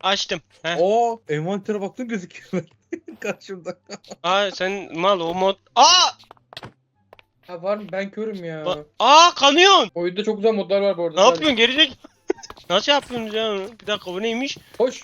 Açtım. Heh. Oo, envantere baktın gözüküyor. Karşımda. Aa sen mal o mod. Aa! Ha var mı? Ben körüm ya. Aa kanıyorsun. Oyunda çok güzel modlar var bu arada. Ne yapıyorsun gerizek? Nasıl yapıyorsunuz ya? Bir dakika bu neymiş? Hoş.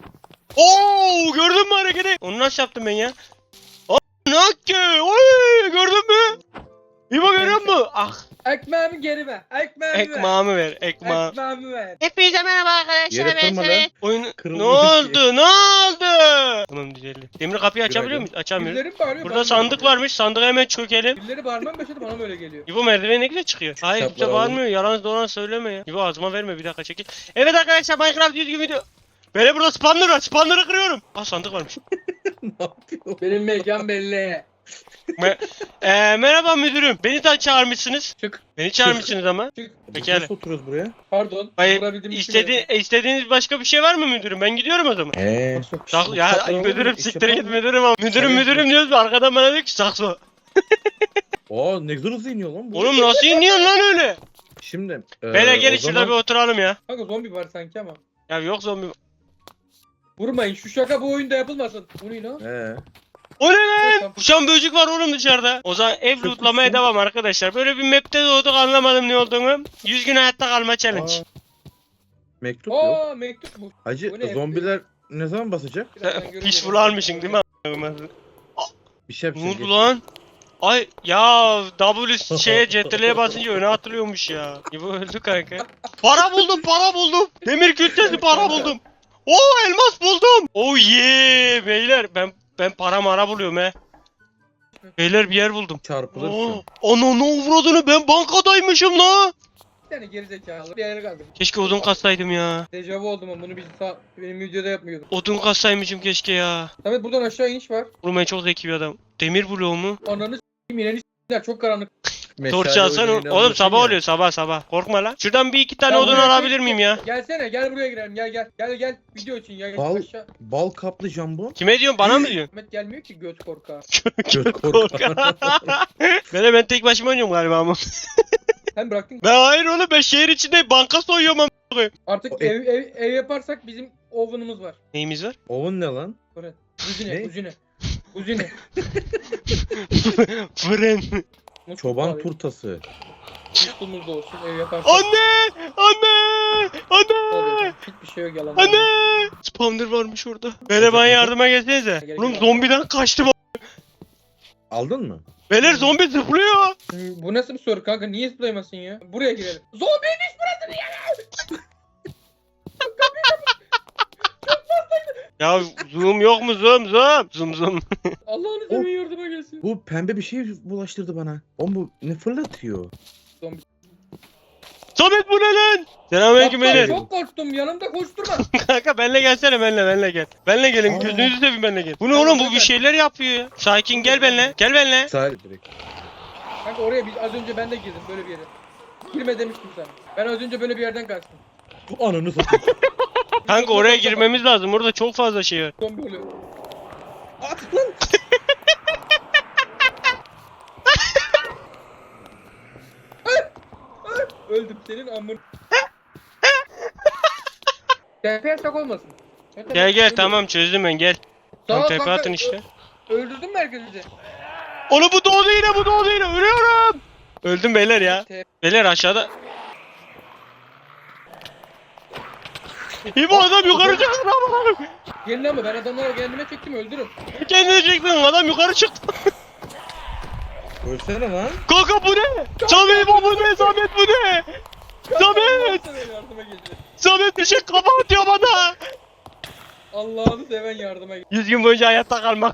Oo gördün mü hareketi? Onu nasıl yaptım ben ya? Aa nakke! Oy gördün mü? İbo görüyor musun? Ah Ekmeğimi geri ver. Ekmeğimi ver. ekmeğimi ver ekmeğimi. Ekmeğimi ver. Hepinize merhaba arkadaşlar. Yere Ben kırma Samet. lan. Oyun Kırıldı ne oldu? ki. Ne oldu? Tamam düzeldi. Demir kapıyı açabiliyor Günaydın. muyuz? Açamıyoruz. Birileri bağırıyor. Burada sandık varmış. Sandığa hemen çökelim. Birileri bağırmaya başladı bana böyle geliyor. İbo merdiven ne güzel çıkıyor. Hayır Kitaplar kimse alalım. bağırmıyor. Yalan dolan söyleme ya. İbo ağzıma verme bir dakika çekil. Evet arkadaşlar Minecraft düzgün video. Böyle burada spawner var. Spawner'ı kırıyorum. Ah sandık varmış. Ne yapıyor? Benim mekan belli. Merhaba müdürüm. Beni de çağırmışsınız. Çık. Beni çağırmışsınız ama. Çık. Pekala. Nasıl oturuyoruz buraya? Pardon. Hayır. Vurabildiğim için yapıyorum. İstediğiniz başka bir şey var mı müdürüm? Ben gidiyorum o zaman. Nasıl? Ya müdürüm siktir git müdürüm ama. Müdürüm diyoruz da arkadan bana diyor ki sakso. Aa, ne güzel hızlı iniyor lan bu. Oğlum nasıl iniyorsun lan öyle? Şimdi. Beyler gelin o şurada zaman- bir oturalım ya. Kanka zombi var sanki ama. Ya yok zombi. Vurmayın. Şu şaka bu oyunda yapılmasın. Bu ne lan? O ne lan? Tamam. Uçan böcek var oğlum dışarıda. O zaman ev Çok lootlamaya güzel. devam arkadaşlar. Böyle bir map'te doğduk anlamadım ne olduğunu. 100 gün hayatta kalma challenge. Aa, mektup yok. Aa mektup bu. Hacı bu ne? zombiler ne zaman basacak? Birazdan göreceğiz. Peaceful almışsın değil mi? Bir şey Ne yapacak. oldu lan? Ay ya W CTRL'ye basınca öne atılıyormuş ya. Bu öldü kanka. Para buldum. Demir külçesi para buldum. Oo elmas buldum. Oh yeah beyler ben para mara buluyorum he. Beyler bir yer buldum. Çarpılırsın. Ananı avradını ben bankadaymışım la. Bir tane gerizekalı. Bir yere kaldım. Keşke odun kassaydım ya. Dejavu oldum ama bunu benim videoda yapmıyordum. Odun kassaymışım keşke ya. Samet buradan aşağı iniş var. Oğlum ben çok zeki bir adam. Demir bloğu mu? Ananı s**eyim ineni s**eyim. Çok karanlık. Torç alsana. Oğlum sabah oluyor sabah. Korkma lan. Şuradan bir iki tane Ya odun buraya alabilir miyim ya? Gelsene gel buraya girelim gel. Video için gel Bal, aşağı. bal kaplı jambon. Kime diyorsun bana mı diyorsun? Samet gelmiyor ki göt korka. Göt korka. Ben tek başıma oynuyorum galiba ama. Sen bıraktın. Ben hayır oğlum ben şehir içinde banka soyuyorum ama. Artık O- ev yaparsak bizim oven'ımız var. Neyimiz var? Oğlum ne lan? Fırın. Ne? Kuzine. Fırın. Çoban turtası. Musluğumuz da olsun ev yaparsak. Anne! Hiçbir şey yok yalan. Anne! Spawner varmış orada. Beyler bana yardıma gelsenize. Gel, Oğlum gel. zombiden kaçtım. Aldın mı? Beyler zombi zıplıyor. Bu nasıl bir soru kanka? Niye zıplayamasın ya? Buraya girelim. Zombiymiş burası niye? Ya zoom yok mu zoom? Zoom. Allah'ını seversen yardıma gelsin. Bu pembe bir şey bulaştırdı bana. O bu ne fırlatıyor? Samet bu ne lan? Selamünaleyküm Aptal, beyler. çok korktum yanımda koşturma. Kanka benle gelsene benle gel. Benle gelin Aa. gözünüzü seveyim benle gel. Bu ne oğlum bu bir şeyler yapıyor ya. Sakin gel benle. Gel benle. Sahil direkt. Kanka oraya az önce ben de girdim böyle bir yere. Girme demiştim sana. Ben az önce böyle bir yerden kaçtım. Ananı satayım. Kanka oraya girmemiz lazım. Orada çok fazla şey var. Zombi oluyor. At lan. Öldüm senin amın. TP yasak olmasın. Gel tamam çözdüm ben gel. Tam Tamam, tepe kanka, atın işte. Öldürdün mü herkesi? Oğlum bu doğdu yine ölüyorum. Öldüm beyler ya. Beyler aşağıda. İbo adam yukarı çıktı lan. Gelin ama ben adamları kendime çektim öldürün. Kendine çektin adam yukarı çıktı. Ölsene lan. Kanka bu ne? Samet bu ne? Samet bu ne? Samet! Yardıma geldi. Samet bir şey kafa atıyor bana. Allah'ını seven yardıma geldi. 100 gün boyunca hayatta kalmak.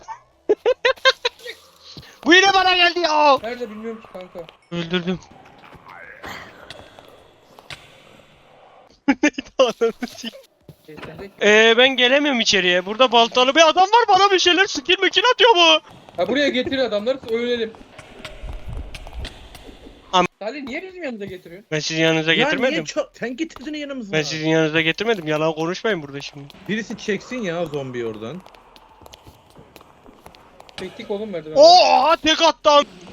Bu yine bana geldi ya. Nerede bilmiyorum ki kanka. Öldürdüm. Neydi ananı sik. Ben gelemiyorum içeriye. Burada baltalı bir adam var bana bir şeyler skill mekin atıyor bu. Ha buraya getir adamları ölelim. Am- Salih niye bizim yanımıza getiriyorsun? Ben sizin yanınıza Ya getirmedim. niye sen getirdin yanımıza. Ben sizin yanınıza getirmedim. Yalan konuşmayın burada şimdi. Birisi çeksin ya zombi oradan. Çektik oğlum verdi. Oha tek attı.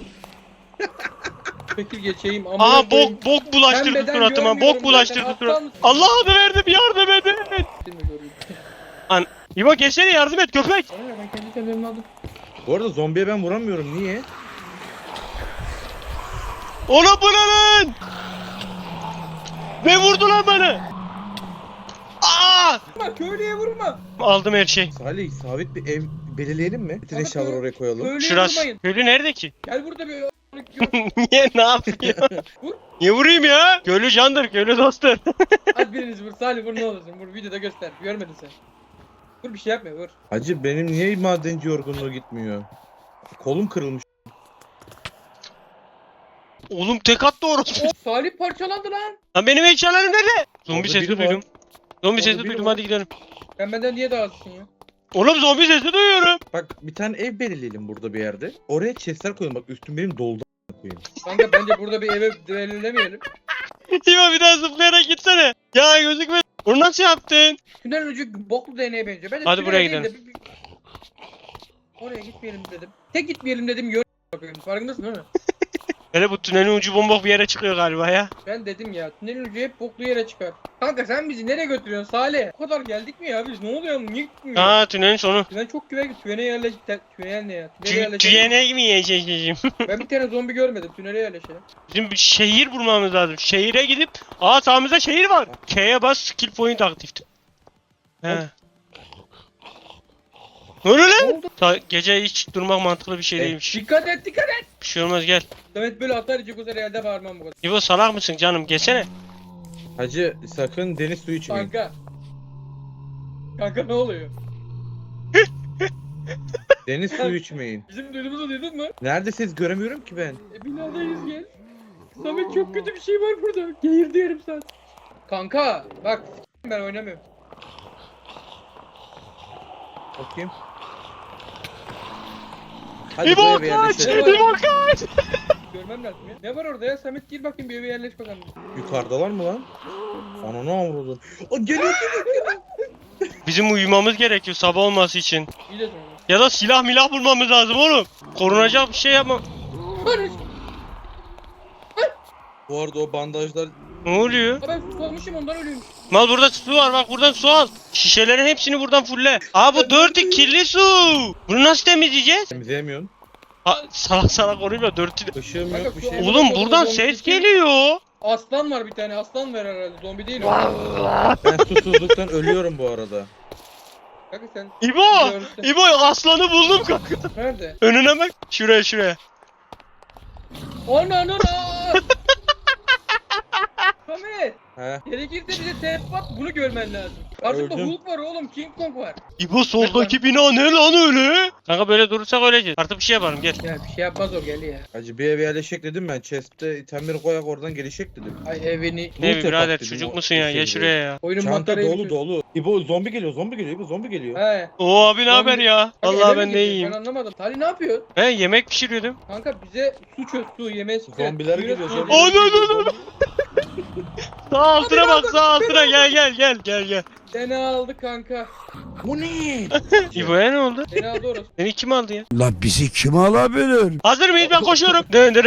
Çekil geçeyim ama. Aha bok bulaştırdı suratıma. Bok bulaştırdı suratıma. Allah adı verdim yardım edin. İbo geçsene, yardım et köpek. Bana ben kendi kendimi aldım. Bu arada zombiye ben vuramıyorum. Niye? Oğlum bu ne lan? Ne vurdu lan bana? Aa! Vurma köylüye vurma. Aldım her şey. Salih sabit bir ev belirleyelim mi? Bütün Ama eşyaları oraya koyalım. Köylüye Şurası. vurmayın. Köylü nerede ki? Gel burada bir Niye, ne yapıyor? Vur. Niye vurayım ya? Köylü candır, köylü dosttur. Hadi biriniz vur. Salih vur ne olursun. Vur videoda göster. Görmedin sen. Vur bir şey yapma vur. Hacı benim niye madenci yorgunluğu gitmiyor? Kolum kırılmış. Oğlum tek attı orası. Salih parçalandı lan. Lan benim eşyalarım nerede? Zombi Orada sesi biri var. duydum. Zombi Orada sesi biri duydum, var. hadi gidelim. Sen benden niye daha azsın ya? Oğlum zombi sesi duyuyorum. Bak bir tane ev belirleyelim burada bir yerde. Oraya chestler koyalım. Bak üstüm benim doldu koyayım. Kanka bence burada bir eve belirlemeyelim. İbo bir daha zıplayarak gitsene. Ya gözükme. Onu nasıl yaptın? Tünel ucu boklu değneğe benziyor. Ben de Hadi tünel buraya değil gidelim. de oraya gitmeyelim dedim. Tek gitmeyelim dedim. Bakıyorum. Farkındasın değil mi? Hele bu tünelin ucu bombok bir yere çıkıyor galiba ya. Ben dedim ya tünelin ucu hep boklu yere çıkar. Kanka sen bizi nereye götürüyorsun Salih? O kadar geldik mi ya biz? Ne oluyor? Niye gitmiyor? Aa, tünelin sonu. Ben çok tünele yerleş... Tünel ne ya? Tünele yerleşelim. Tüyene mi yiyeceğim? Ben bir tane zombi görmedim. Tünele yerleşelim. Bizim bir şehir bulmamız lazım. Şehire gidip... Aa, sağımızda şehir var. K'ye bas, skill point aktifti. He. Ne oluyor lan? Ne oldu? Gece hiç durmak mantıklı bir şey değilmiş. Dikkat et dikkat et. Bir şey olmaz, gel. Demet böyle atar içi kusar elde bağırmam bu kadar. İbo salak mısın canım? Gelsene. Hacı sakın deniz suyu içmeyin. Kanka. Kanka ne oluyor? Deniz suyu içmeyin. Bizim duyduğumuzu duydun mu? Neredesiniz göremiyorum ki ben. Binadayız gel. Samet çok kötü bir şey var burada. Geğirdi yarım saat. Kanka bak ben oynamıyorum. Bakayım. Hadi İbo buraya bir kaç! yerleşelim. İbo kaç! Görmem lazım ya. Ne var orada ya? Samet gir bakayım bir eve yerleş bakalım. Yukarıdalar mı lan? Ananı avradım. O geliyor. Bizim uyumamız gerekiyor sabah olması için. İyi de sonra. Ya da silah milah bulmamız lazım oğlum. Korunacak bir şey yapma. Barış. Bu arada o bandajlar Ne oluyor? Ben su olmuşum ondan ölüyorum. Mal burada su var, bak buradan su al. Şişelerin hepsini buradan fulle. Aa, bu dirty kirli su. Bunu nasıl temizleyeceğiz? temizleyemiyorsun. Salak salak konuşma, dirty. Işığım Kanka, yok bir şu şey. an- Oğlum buradan ses geliyor. Aslan var bir tane. Aslan var herhalde. Zombi değil o. Ben susuzluktan ölüyorum bu arada. Kanka sen İbo! görsün. İbo, aslanı buldum kanka. Nerede? Önüne bak. Şuraya şuraya. Ana. Samet. He. Gerekirse bize tep at bunu görmen lazım. Karşımda Öldüm. Hulk var oğlum. King Kong var. İbo, soldaki bina ne lan öyle? Kanka böyle durursak öleceğiz. Artık bir şey yapalım, gel. Ya bir şey yapmaz o gel ya. Hacı bir eve yerleşecek dedim ben. Chest'te itemleri koyak oradan gelişecek dedim. Ay evini. Ne Loot birader, yapak dedim çocuk o musun ya? Gel şeyde. şuraya ya. Oyunun Çanta materyali dolu dolu. İbo zombi geliyor İbo zombi geliyor. He. Oo abi, ne haber ya? Kanka, Vallahi eve mi ben de gidiyor? iyiyim. Ben anlamadım. Salih ne yapıyor? Ben yemek pişiriyordum. Kanka bize su çöz su yemeğe sıkı. Zombiler geliyor zombiler. Oh, no, geliyor, no, no, zombi- Sağ altına bak, sağ altına, gel. Seni aldı kanka. Bu ne? İbo'ya ne oldu? Seni aldı orası. Seni kim aldı ya? La bizi kim alabilir? Hazır mıyız? Ben koşuyorum.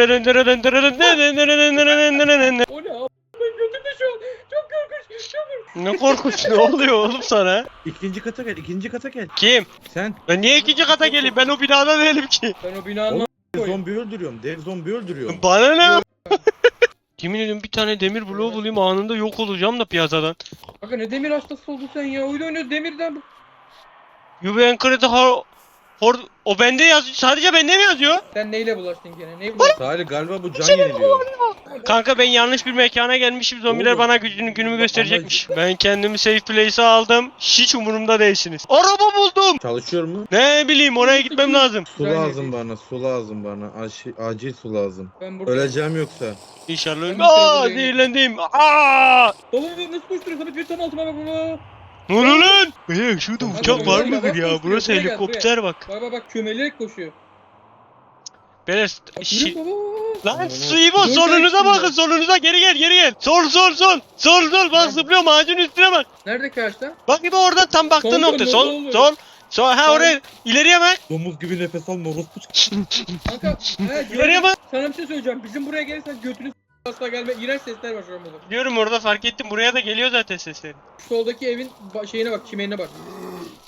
O ne abi? Ben götümde şu an. Çok korkunç. Çok korkunç. Ne korkunç, ne oluyor oğlum sana? İkinci kata gel. Kim? Sen Ben niye ikinci kata geleyim? Ben o binada değilim ki. Ben o binanın dev zombi öldürüyorum. Dev zombi öldürüyorum. Bana ne? Yemin ediyorum bir tane demir bloğu bulayım, anında yok olacağım da piyasadan. Kanka ne demir hastası oldun sen ya. Oyun oynuyoruz demirden. You been credit o bende yazıyor. Sadece bende mi yazıyor? Sen neyle bulaştın gene? Neyi bulaştın? Salih galiba bu can yeniliyor. Kanka ben yanlış bir mekana gelmişim. Zombiler Oğlum. bana günümü gösterecekmiş. Ben kendimi safe place'e aldım. Hiç umurumda değilsiniz. Araba buldum. Çalışıyor mu? Ne bileyim, oraya gitmem lazım. Su lazım bana, su lazım bana. Acil su lazım. Ben burada. Öleceğim yoksa. İnşallah Ben ölmem. bir kere Aa, buraya zehirlendim. Aa! Baba nasıl koşturuyor? Samet bir tam altıma bak baba. Ne oluyor lan? Şurada Kanka, uçak var buraya mıdır bak, ya? koşuyor, Burası buraya gel, helikopter bak. Bak kömelerek koşuyor. Beyler Bak, şi- yürü baba. Lan su İbo, solunuza bakın, solunuza, geri gel. Sol bak, zıplıyorum ağacın üstüne bak. Neredeki ağaçta? Bak İbo, oradan tam baktığın Sol, nokta, sol, sol, ha Sol. oraya, ileriye bak. Domuz gibi nefes alma orospu. Kanka. İleriye bak. Sana bir şey söyleyeceğim. Bizim buraya gelirsen götünü asla gelme. İğrenç sesler var şu an burada. Biliyorum, orada fark ettim, buraya da geliyor zaten sesleri. Soldaki evin şeyine bak, çimenine bak.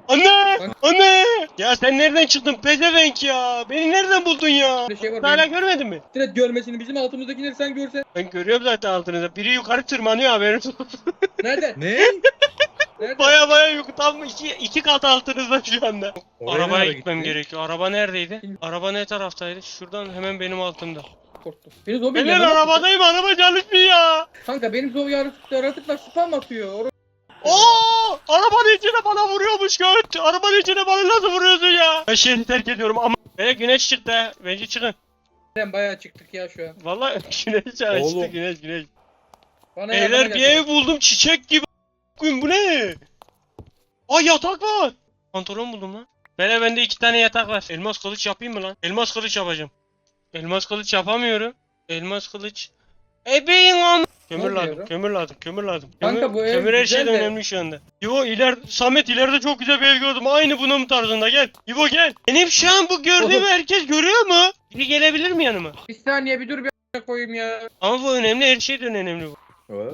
Anne! Anne! Ya sen nereden çıktın pezevenk ya? Beni nereden buldun ya? Bir şey var. Hala görmedin mi? Direkt görmesini bizim altımızdakileri sen görsen. Ben görüyorum zaten altınızda. Biri yukarı tırmanıyor haberin olsun. Nereden? Ne? Nereden? Baya yukarı tam iki kat altınızda şu anda. Oraya Arabaya nereye gitmem gitti? gerekiyor. Araba neredeydi? Bilmiyorum. Araba ne taraftaydı? Şuradan hemen benim altımda. Korktum. Beni zombi Ben ile arabadayım, araba çalışmıyor ya. Kanka benim zombi yaratıklar spam atıyor. Oo! Arabanın içine bana vuruyormuş göt. Arabanın içine bana nasıl vuruyorsun ya? Ben şehri terk ediyorum ama. Güneş çıktı. Bence çıkın. Sen bayağı çıktık ya şu an. Vallahi güneş açtı, Oğlum. güneş. Bana yardıma Beyler bir gel. ev buldum çiçek gibi. Bu ne? Aa yatak var. Pantolon buldum lan. Beyler bende 2 tane yatak var. Elmas kılıç yapayım mı lan? Elmas kılıç yapacağım. Elmas kılıç yapamıyorum. Elmas kılıç. Ebeğin am. Kömür lazım, Yapıyorum. kömür lazım. Kanka Kömür, bu ev kömür her güzel şeyden de- önemli şu anda. İbo Samet ileride çok güzel bir ev gördüm. Aynı bunun tarzında gel. İbo gel. Benim şu an bu gördüğümü herkes görüyor mu? Biri gelebilir mi yanıma? Bir saniye bir dur bir a**ına koyayım ya. Ama bu önemli, her şeyden önemli bu. Ha?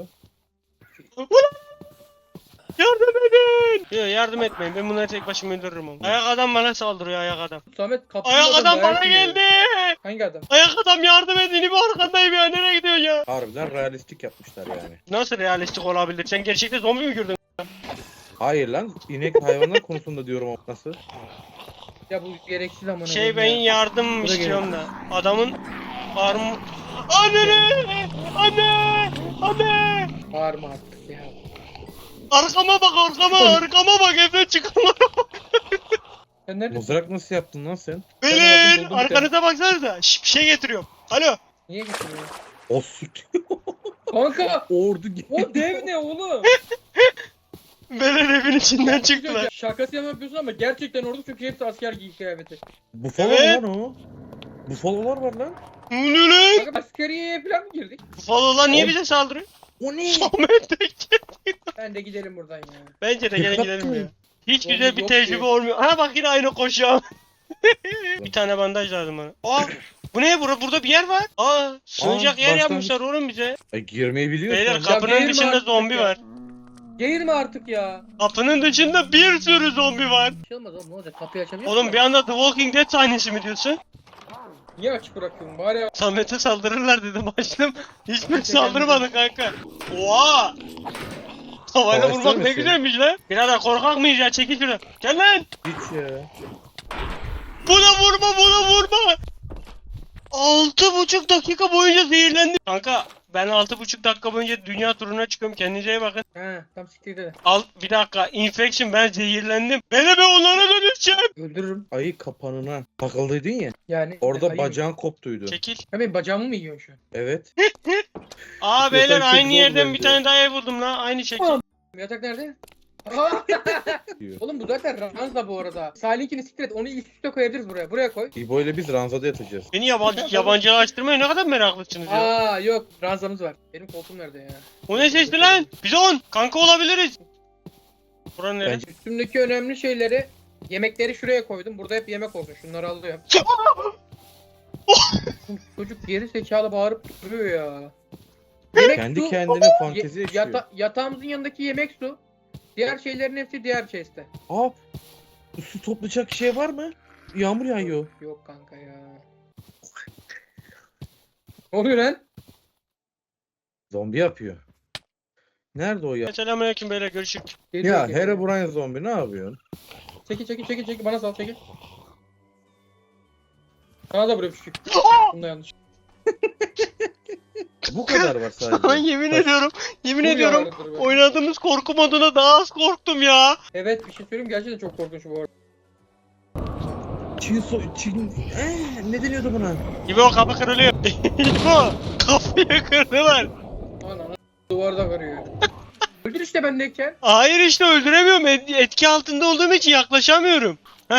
Yardım edin! Yok yardım etmeyin, ben bunları tek başıma öldürürüm ama. Ayak adam bana saldırıyor, ayak adam. Samet kapıyı Ayak adam bana geldi! Hangi adam? Ayak adam yardım edin, İbo arkandayım ya, nereye gidiyorsun ya? Harbiden realistik yapmışlar yani. Nasıl realistik olabilir? Sen gerçekten zombi mi gördün? Hayır lan, inek hayvanlar konusunda diyorum ama nasıl? Ya bu gereksiz amına Ben koyayım ya. yardım Bu da istiyorum da. Adamın arm... Anne! Anne! Bağırma artık ya. Arkama bak evden çıkanlara bak. Sen nerede? Mızrak nasıl yaptın lan sen? Beyler buldum bir arkanıza baksanıza. Şş, bir şey getiriyorum. Alo. Niye getiriyorsun? O süt. Kanka! Ordu O dev ne oğlum? Beyler evin içinden Ya, çıktılar. Şakası yapıyorsun ama gerçekten orada çünkü hepsi asker giy kıyafeti. Bufalo Evet. lan o. Bufalolar var lan. Bu ne lan? Kanka askeriye falan mı girdik? Bufalolar niye Oğlum. bize saldırıyor? O ne? Samet de Ben de gidelim buradan ya. Bence de gene Dikkat gidelim ya. et. Hiç Zombi güzel bir yok tecrübe diyor. olmuyor. Ha bak yine aynı koşuyor. Bir tane bandaj lazım bana. Aa bu ne? Burada bir yer var. Aa sığınacak yer başlangıç. yapmışlar oğlum bize. Girmeyi biliyorsun. Beyler lan. kapının değirme dışında artık zombi ya. var. Geğirme artık ya. Kapının dışında bir sürü zombi var. Bir şey olmaz oğlum ne olacak kapıyı açabiliyor Oğlum musun? bir anda The Walking Dead sahnesi mi diyorsun? Niye açık bırakıyorsun bari ya. Samet'e saldırırlar dedim açtım. Hiçbir saldırmadı kanka. Oha! Havayla Savaşta vurmak ne mısın? güzelmiş lan. Birader korkak mıyız ya? Çekil şuradan. Gel lan! Hiç ya. Buna vurma! 6,5 dakika boyunca zehirlendim. Kanka ben 6,5 dakika boyunca dünya turuna çıkıyorum. Kendinize iyi bakın. He tam siktir de. Bir dakika. Infection ben zehirlendim. Ben onlara dönüşeceğim. Öldürürüm. Ayı kapanına takıldıydın ya. Yani. Orada ayı mı? bacağın koptuydu. Çekil. Ya benim bacağımı mı yiyorsun şu an? Evet. Beyler Yatak aynı çok yerden zor bir bence. tane daha ev buldum lan. Aynı şekil. Yatak nerede? Aa! Diyor. Oğlum bu zaten ranza bu arada. Salih'inkini siktir et onu üst üste koyabiliriz buraya. Buraya koy. İbo ile biz ranzada yatacağız. Beni yabancılaştırmaya ne kadar meraklısınız ya. Aa yok ranzamız var. Benim koltuğum nerede ya? O ne sesli lan? Bizon! Kanka olabiliriz. Buranın neresi? Bence- Üstümdeki önemli şeyleri yemekleri şuraya koydum. Burada hep yemek olsun. Şunları alıyorum. Çocuk geri zekalı bağırıp duruyor ya. Yemek Kendi su, kendine fantezi yaşıyor. yatağımızın yanındaki yemek su. Diğer şeylerin hepsi diğer chest'te. Aa, su toplayacak şey var mı? Yağmur yağıyor. Yok kanka ya. Ne oluyor lan? Zombi yapıyor. Nerede o ya? Selamünaleyküm beyler görüşürüz. Geliyor, Ya geliyor. Herobrine zombi ne yapıyorsun? Çekil bana sal çekil. Sana da buraya küçük. Bunda yanlış. Bu kadar var Sana sadece. yemin Taş- ediyorum. Yemin Bu ediyorum. yağlardır be. Oynadığımız korku moduna daha az korktum ya. Evet bir şey söyleyeyim gerçekten çok korkunç bu arada. Çin... ne deniyordu buna? İbo kapı kırılıyor. İbo kapıyı kırdılar. Ana duvarda kırıyor. Öldür işte bendeyken. Hayır işte öldüremiyorum. Etki altında olduğum için yaklaşamıyorum.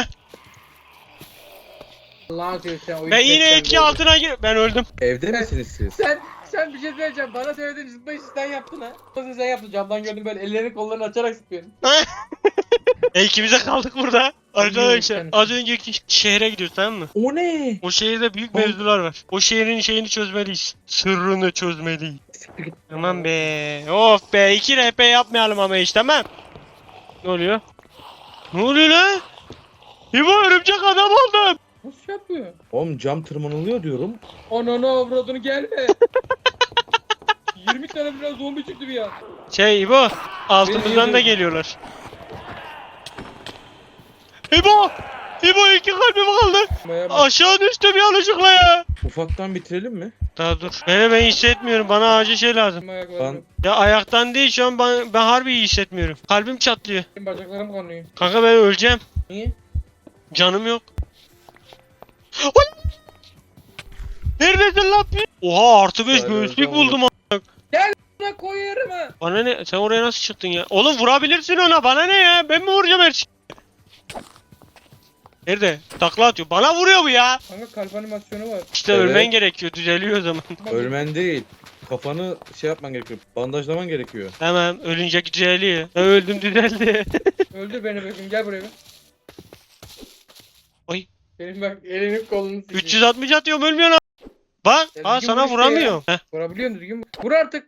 Allah'ın seversen oyun Ben yine zevkten etki doğru. altına ben öldüm. Evde misiniz siz? Sen bir şey söyleyeceğim. Bana söyledin zıplayış sen yaptın ha. Nasıl sen yaptın? Camdan gördüm böyle ellerini kollarını açarak sıkıyorsun. İkimize kaldık burada. Arkadaşlar Bilmiyorum, az önceki şehre gidiyoruz tamam mı? O ne? O şehirde büyük mevzular var. O şehrin şeyini çözmeliyiz. Sırrını çözmeliyiz. Siktir git. Tamam be. Of be 2 RP yapmayalım ama hiç tamam. Ne oluyor? Ne oluyor lan? İbo örümcek adam oldum. Nasıl yapıyor? Oğlum cam tırmanılıyor diyorum. Ananı avradını gelme. 20 tane biraz zombi çıktı bir ya. Şey İbo altımızdan da geliyorlar. İbo! İbo iki kalbim kaldı. Maya bak. Aşağı düştüm yanlışlıkla ya. Ufaktan bitirelim mi? Daha dur. Ben hissetmiyorum. Bana acil şey lazım. Ayaklarım. Ya ayaktan değil şu an ben harbi iyi hissetmiyorum. Kalbim çatlıyor. Benim bacaklarım kanıyor. Kanka ben öleceğim. Niye? Canım yok. Oy! Neredesin lan? Oha artı 5 Aynen, göğüslük tamam. buldum. Buna koyarım ha. Bana ne? Sen oraya nasıl çıktın ya? Oğlum vurabilirsin ona. Bana ne ya? Ben mi vuracağım her şeyi? Nerede? Takla atıyor. Bana vuruyor bu ya. Kanka kalp animasyonu var. İşte Evet. ölmen gerekiyor. Düzeliyor o zaman. Ölmen değil. Kafanı şey yapman gerekiyor. Bandajlaman gerekiyor. Tamam. Ölünce düzeliyor. Ben öldüm düzeldi. Öldür beni bakayım gel buraya bir. Oy. Benim bak elini kolunu sikeyim. 360 atıyorum ölmüyor lan. Bak. Ya Aa düzgün sana vur işte vuramıyorum. Heh. Vurabiliyorsun düzgün. Vur artık.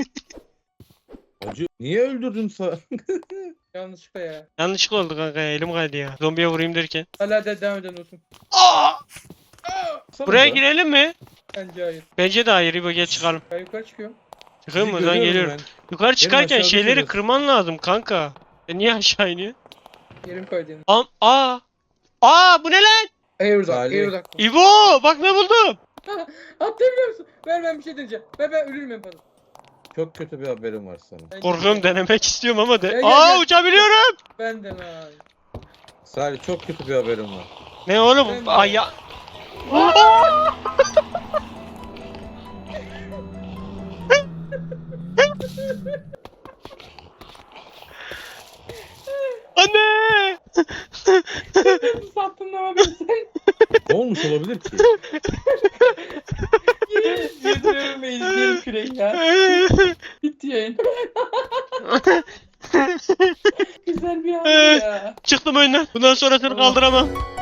Hacı niye öldürdün Yanlışlıkla ya. Yanlışlıkla oldu kanka ya. Elim kaydı ya. Zombiye vurayım derken. Hala da devam eden olsun. Aa! Sana Buraya da. girelim mi? Bence hayır. Bence de hayır. İbo gel çıkalım. Ben yukarı çıkıyorum. Çıkayım mı? Sizi Ben görüyorum geliyorum. Yukarı çıkarken aşağıda şeyleri şurası. kırman lazım kanka. Niye aşağı iniyor? Yerim kaydı yine. Aa! Aa bu ne lan? Airduct. Salih. Airduct. İbo bak ne buldum. Atlayabiliyor musun? Ver ben bir şey deneyeceğim. Ben ölürüm en fazla. Çok kötü bir haberim var sana. Ben Korkuyorum denemek istiyorum ama de. Gel, gel, Aa gel. uçabiliyorum. Benden abi. Salih çok kötü bir haberim var. Ne oğlum? Ben de. Ay ya. Anne! Nasıl sattın ama beni sen? Ne olmuş olabilir ki? Yediriyorum ve izleyelim küreği ya. Bitti yayın. Güzel bir an ya. Çıktım oyundan. Bundan sonrasını kaldıramam.